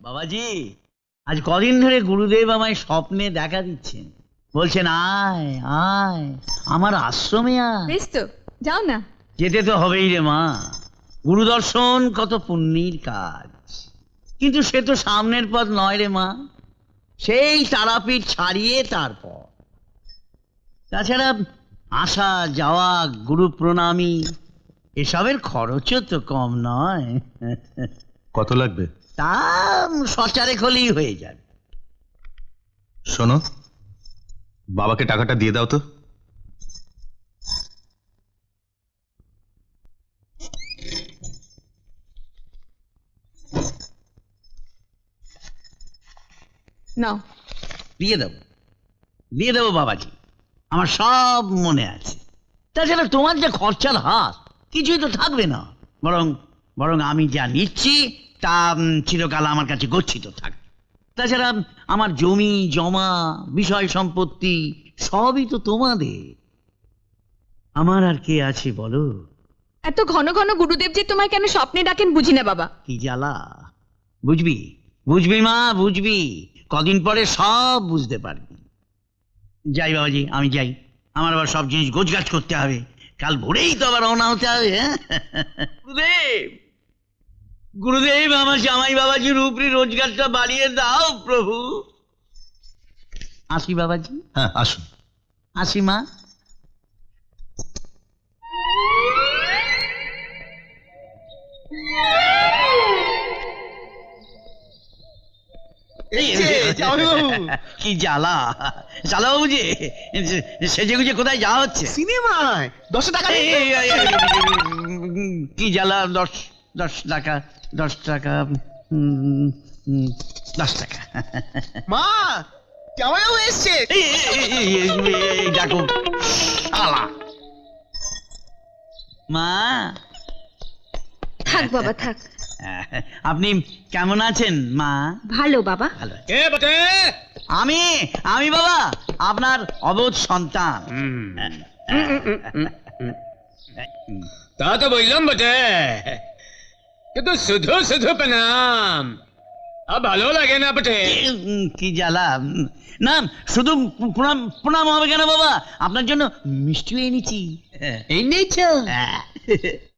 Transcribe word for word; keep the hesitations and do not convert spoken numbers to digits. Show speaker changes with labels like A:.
A: বাবাজি, আজ কদিন ধরে গুরুদেব আমায় স্বপ্নে দেখা দিচ্ছেন, বলছেন আয় আয় আমার আশ্রমে আয়।
B: বেশ তো, যাও না।
A: যেতে তো হবেই রে মা, গুরুদর্শন কত পুণ্যের কাজ, কিন্তু সে তো সামনের পথ নয় রে মা, সেই তারাপীঠ ছাড়িয়ে তারপর। তাছাড়া আসা যাওয়া, গুরু প্রণামী, এসবের খরচও তো কম নয়।
C: কত লাগবে?
A: তা সচারে হলেই হয়ে যাবে।
C: শোনো, বাবাকে টাকাটা দিয়ে দাও তো।
B: নাও।
A: দিয়ে দেবো দিয়ে দেবো বাবাজি, আমার সব মনে আছে। তাছাড়া তোমার যে খরচার হাত, কিছুই তো থাকবে না, বরং বরং আমি যা নিচ্ছি তা উম, চিরকাল আমার কাছে গচ্ছিত থাকবে। তাছাড়া আমার জমি জমা, বিষয় সম্পত্তি সবই তো তোমাদের। আমার আর কে আছে বলো?
B: এত ঘন ঘন গুরুদেব যে তোমায় কেন স্বপ্নে ডাকেন বুঝি না বাবা।
A: কি জ্বালা! বুঝবি বুঝবি মা, বুঝবি, কদিন পরে সব বুঝতে পারবি। যাই বাবাজি, আমি যাই, আমার আবার সব জিনিস গোছগাছ করতে হবে, কাল ভোরেই তো আবার রওনা হতে হবে। হ্যাঁ? গুরুদেব গুরুদেব, আমার জামাই বাবাজির উপরি রোজগারটা বাড়িয়ে দাও প্রভু। আসি বাবাজি।
C: হ্যাঁ, আসুন।
A: আসি মা। কি জ্বালা! জ্বালা বাবু যে সেজে গুজে কোথায় যাওয়া হচ্ছে?
D: সিনেমায় দশ টাকা
A: এই, এই, এই, এই, কি জ্বালা! দশ দশ টাকা দশ টাকা উম, উম, দশ টাকা।
D: মা, জামাইবাবু এসছে।
A: এই, এই, এই, এই, এই, এই, ডাকো শালা। মা,
B: থাক বাবা থাক।
A: আপনি কেমন আছেন মা?
B: ভালো বাবা।
A: ভালো আছি। আমি আমি বাবা আপনার অবোধ সন্তান।
E: তা তো বললাম বটে, কিন্তু শুধু শুধু প্রণাম আর ভালো লাগে না বটে।
A: উম, কি জ্বালা! না, শুধু প্রণাম প্রণাম হবে কেন বাবা, আপনার জন্য মিষ্টিও এনেছি।
E: এই নিয়েছ?
A: হ্যাঁ।